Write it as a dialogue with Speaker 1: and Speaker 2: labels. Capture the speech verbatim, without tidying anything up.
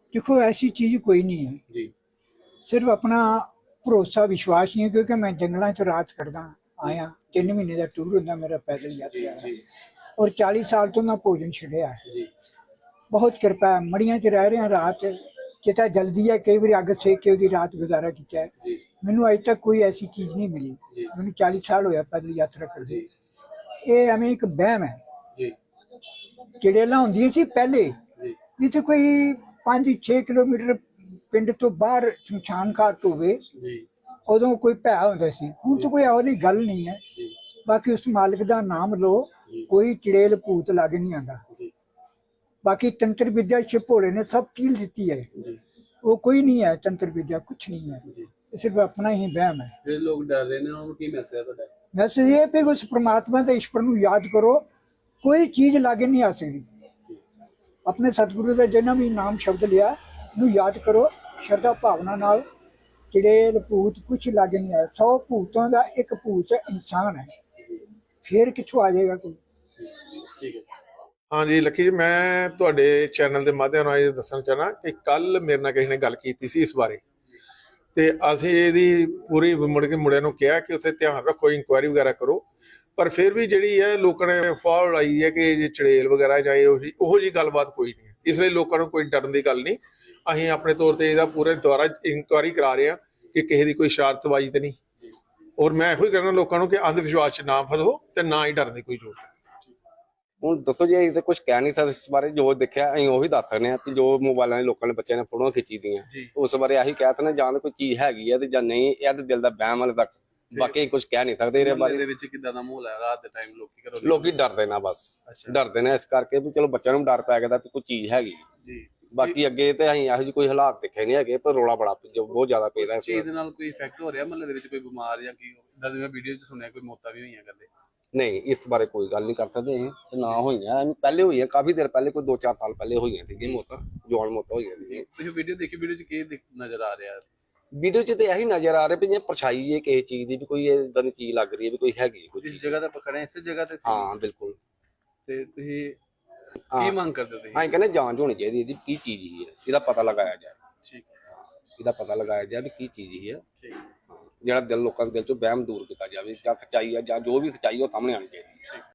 Speaker 1: देखो ऐसी चीज कोई नहीं है
Speaker 2: जी
Speaker 1: सिर्फ अपना भरोसा विश्वास नहीं है क्योंकि मैं जंगलों च रात कटदा आया तीन महीने का टूर होंगे मेरा पैदल
Speaker 2: जी
Speaker 1: यात्रा
Speaker 2: जी
Speaker 1: और चालीस साल तो मैं भोजन छड़िया है
Speaker 2: जी
Speaker 1: बहुत कृपा है मड़िया च रह रहे हैं रात कितना जल्दी है कई बार अग सेक के रात गुजारा किया है
Speaker 2: जी
Speaker 1: मैनू अज तक कोई ऐसी चीज नहीं मिली
Speaker 2: जी
Speaker 1: मैंने चालीस साल होया पैदल यात्रा करते
Speaker 2: जी
Speaker 1: ये एवं एक बहम है
Speaker 2: जी
Speaker 1: चड़ेल होंदियां सी पहले
Speaker 2: जी
Speaker 1: जिथे कोई पांच छे किलोमीटर पिंड तो बाहर शमशान घाट होवे
Speaker 2: जी
Speaker 1: उदों कोई भै होंदा सी हुण तो कोई ਇਹੋ ਜਿਹੀ गल नहीं है
Speaker 2: जी
Speaker 1: बाकी उस मालिक का नाम लो
Speaker 2: जी
Speaker 1: कोई चड़ेल भूत लग नहीं आता
Speaker 2: जी
Speaker 1: बाकी तंत्र विद्या शिव भोले ने सब कील दी है
Speaker 2: जी
Speaker 1: वो कोई नहीं है तंत्र विद्या कुछ नहीं है
Speaker 2: जी
Speaker 1: ये सिर्फ अपना ही वहम है
Speaker 2: ਜਿਹੜੇ ਲੋਕ ਡਰ ਰਹੇ ਨੇ ਉਹਨਾਂ ਨੂੰ ਕੀ ਮੈਸੇਜ ਹੈ ਤੁਹਾਡਾ
Speaker 1: वैसे ये भी उस परमात्मा के ईश्वर को याद करो कोई चीज लागे नहीं आ सकती अपने सतगुरु का जिन्ना भी नाम शब्द लिया नू याद करो श्रद्धा भावना नाल चड़ेल भूत कुछ लागे नहीं आया सौ भूतों का एक भूत इंसान है फिर कितों आ जाएगा कोई
Speaker 2: ਠੀਕ ਹੈ
Speaker 3: हाँ जी लकी जी मैं तुहाडे चैनल के माध्यम ਨਾਲ ਇਹ ਦੱਸਣਾ ਚਾਹਨਾ ਕਿ ਕੱਲ ਮੇਰੇ ਨਾਲ ਕਿਸੇ ਨੇ ਗੱਲ ਕੀਤੀ ਸੀ ਇਸ ਬਾਰੇ ਤੇ ਅਸੀਂ ਇਹਦੀ ਪੂਰੀ ਮੁੜ ਕੇ ਮੁੰਡਿਆਂ ਨੂੰ ਕਿਹਾ ਕਿ ਉੱਥੇ ਧਿਆਨ ਰੱਖੋ ਇਨਕੁਆਇਰੀ ਵਗੈਰਾ ਕਰੋ ਪਰ ਫਿਰ ਵੀ ਜਿਹੜੀ ਹੈ ਲੋਕਾਂ ਨੇ ਫਾਹ ਉਡਾਈ ਹੈ ਕਿ ਜੇ ਚੜੇਲ ਵਗੈਰਾ ਜਾਂ ਇਹੋ ਜਿਹੀ ਉਹੋ ਜਿਹੀ ਗੱਲਬਾਤ ਕੋਈ ਨਹੀਂ ਇਸ ਲਈ ਲੋਕਾਂ ਨੂੰ ਕੋਈ ਡਰਨ ਦੀ ਗੱਲ ਨਹੀਂ ਅਸੀਂ ਆਪਣੇ ਤੌਰ ਤੇ ਇਹਦਾ ਪੂਰੇ ਦੁਆਰਾ ਇਨਕੁਆਇਰੀ ਕਰਾ ਰਹੇ ਹਾਂ ਕਿ ਕਿਸੇ ਦੀ ਕੋਈ ਸ਼ਰਾਰਤਬਾਜ਼ੀ ਤੇ ਨਹੀਂ ਔਰ ਮੈਂ ਇਹੋ ਹੀ ਕਹਿੰਦਾ ਲੋਕਾਂ ਨੂੰ ਕਿ ਅੰਧ ਵਿਸ਼ਵਾਸ 'ਚ ਨਾ ਫਸੋ ਤੇ ਨਾ ਹੀ ਡਰਨ ਦੀ ਕੋਈ ਜ਼ਰੂਰਤ ਹੈ
Speaker 4: ਹੁਣ ਦੱਸੋ ਜੀ ਅਸੀਂ ਤਾਂ ਕੁਝ ਕਹਿ ਨਹੀਂ ਸਕਦੇ ਇਸ ਬਾਰੇ ਜੋ ਦੇਖਿਆ ਅਸੀਂ ਉਹੀ ਦੱਸ ਸਕਦੇ ਹਾਂ ਕਿ ਜੋ ਮੋਬਾਈਲਾਂ ਦੇ ਲੋਕਾਂ ਨੇ ਬੱਚਿਆਂ ਨੇ ਫੋਟੋਆਂ ਖਿੱਚੀ ਦੀਆਂ ਉਸ ਬਾਰੇ ਆਹੀ ਕਹਿ ਤਾ ਨਾ ਜਾਂ ਤਾਂ ਕੋਈ ਚੀਜ਼ ਹੈਗੀ ਹੈ ਤੇ ਜਾਂ ਨਹੀਂ ਇਹ ਤਾਂ ਦਿਲ ਦਾ ਵਹਿਮ ਹਾਲੇ ਤੱਕ ਬਾਕੀ ਕੁਝ ਕਹਿ ਨਹੀਂ ਸਕਦੇ ਇਹਦੇ
Speaker 2: ਮੁਹੱਲੇ ਦੇ
Speaker 4: ਬਾਰੇ
Speaker 2: ਵਿੱਚ ਕਿੱਦਾਂ ਦਾ ਮਾਹੌਲ ਹੈ ਰਾਤ ਦੇ ਟਾਈਮ ਲੋਕੀ ਘਰੋਂ
Speaker 4: ਲੋਕੀ ਡਰਦੇ ਨਾ ਬਸ ਡਰਦੇ ਨੇ ਇਸ ਕਰਕੇ ਵੀ ਚਲੋ ਬੱਚਿਆਂ ਨੂੰ ਡਰ ਪੈ ਗਿਆ ਤਾਂ ਵੀ ਕੋਈ ਚੀਜ਼ ਹੈਗੀ
Speaker 2: ਜੀ
Speaker 4: ਬਾਕੀ ਅੱਗੇ ਤੇ ਅਸੀਂ ਇਹੋ ਜਿਹੀ ਕੋਈ ਹਾਲਾਤ ਦੇਖੇ ਨਹੀਂ ਹੈਗੇ ਪਰ ਰੋਲਾ ਬੜਾ ਜੋ ਬਹੁਤ ਜ਼ਿਆਦਾ ਪੈਦਾ ਇਸ
Speaker 2: ਚੀਜ਼ ਦੇ ਨਾਲ ਕੋਈ ਇਫੈਕਟ ਹੋ ਰਿਹਾ ਮੁਹੱਲੇ ਦੇ ਵਿੱਚ ਕੋਈ ਬਿਮਾਰ ਜਾਂ ਕੀ ਇਦਾਂ ਦੀ ਮੈਂ ਵੀਡੀਓ 'ਚ ਸੁਣਿਆ ਕੋਈ ਮੌਤਾਂ ਵੀ ਹੋਈਆਂ ਕਰਦੇ
Speaker 4: ਨਹੀਂ ਇਸ ਬਾਰੇ ਕੋਈ ਗੱਲ ਨਹੀਂ ਕਰ ਸਕਦੇ ਅਸੀਂ ਤੇ ਨਾ ਹੋਈਆਂ ਪਹਿਲੇ ਹੋਈਆਂ ਕਾਫੀ ਦੇਰ ਪਹਿਲੇ ਕੋਈ ਦੋ ਚਾਰ ਸਾਲ ਪਹਿਲੇ ਹੋਈਆਂ ਸੀਗੀਆਂ ਮੌਤਾਂ ਜਵਾਨ ਮੌਤਾਂ ਹੋਈਆਂ ਸੀਗੀਆਂ
Speaker 2: ਤੁਸੀਂ ਵੀਡੀਓ ਦੇਖੀ ਵੀਡੀਓ 'ਚ ਕੀ ਦਿਖ- ਨਜ਼ਰ ਆ ਰਿਹਾ
Speaker 4: ਵੀਡੀਓ 'ਚ ਤੇ ਇਹੀ ਨਜ਼ਰ ਆ ਰਿਹਾ ਵੀ ਜੇ ਪਰਛਾਈ ਹੈ ਕਿਸੇ ਚੀਜ਼ ਦੀ ਵੀ ਕੋਈ ਇਦਾਂ ਦੀ ਚੀਜ਼ ਲੱਗ ਰਹੀ ਹੈ ਵੀ ਕੋਈ ਹੈਗੀ ਕੋਈ
Speaker 2: ਜਿਸ
Speaker 4: ਚੀਜ਼।
Speaker 2: ਜਗ੍ਹਾ ਤੇ ਆਪਾਂ ਖੜੇ ਹਾਂ ਇਸੇ ਜਗ੍ਹਾ ਤੇ ਸੀ
Speaker 4: ਹਾਂ ਬਿਲਕੁਲ
Speaker 2: ਤੇ ਤੁਸੀਂ ਕੀ
Speaker 4: ਹਾਂ
Speaker 2: ਮੰਗ ਕਰਦੇ ਹੋ ਤੁਸੀਂ
Speaker 4: ਅਸੀਂ ਕਹਿੰਦੇ ਜਾਂਚ ਹੋਣੀ ਚਾਹੀਦੀ ਇਹਦੀ ਕੀ ਚੀਜ਼ ਹੀ ਹੈ ਇਹਦਾ ਪਤਾ ਲਗਾਇਆ ਜਾਏ
Speaker 2: ਠੀਕ
Speaker 4: ਇਹਦਾ ਪਤਾ ਲਗਾਇਆ ਜਾਏ ਵੀ ਕੀ ਚੀਜ਼ ਹੀ ਹੈ
Speaker 2: ਠੀਕ
Speaker 4: ਹਾਂ ਜਿਹੜਾ ਦਿਲ ਲੋਕਾਂ ਦੇ ਦਿਲ ਚੋਂ ਵਹਿਮ ਦੂਰ ਕੀਤਾ ਜਾਵੇ ਜਾਂ ਸੱਚਾਈ ਹੈ ਜਾਂ ਜੋ ਵੀ ਸੱਚਾਈ ਉਹ ਸਾਹਮਣੇ ਆਣੀ ਚਾਹੀਦੀ ਹੈ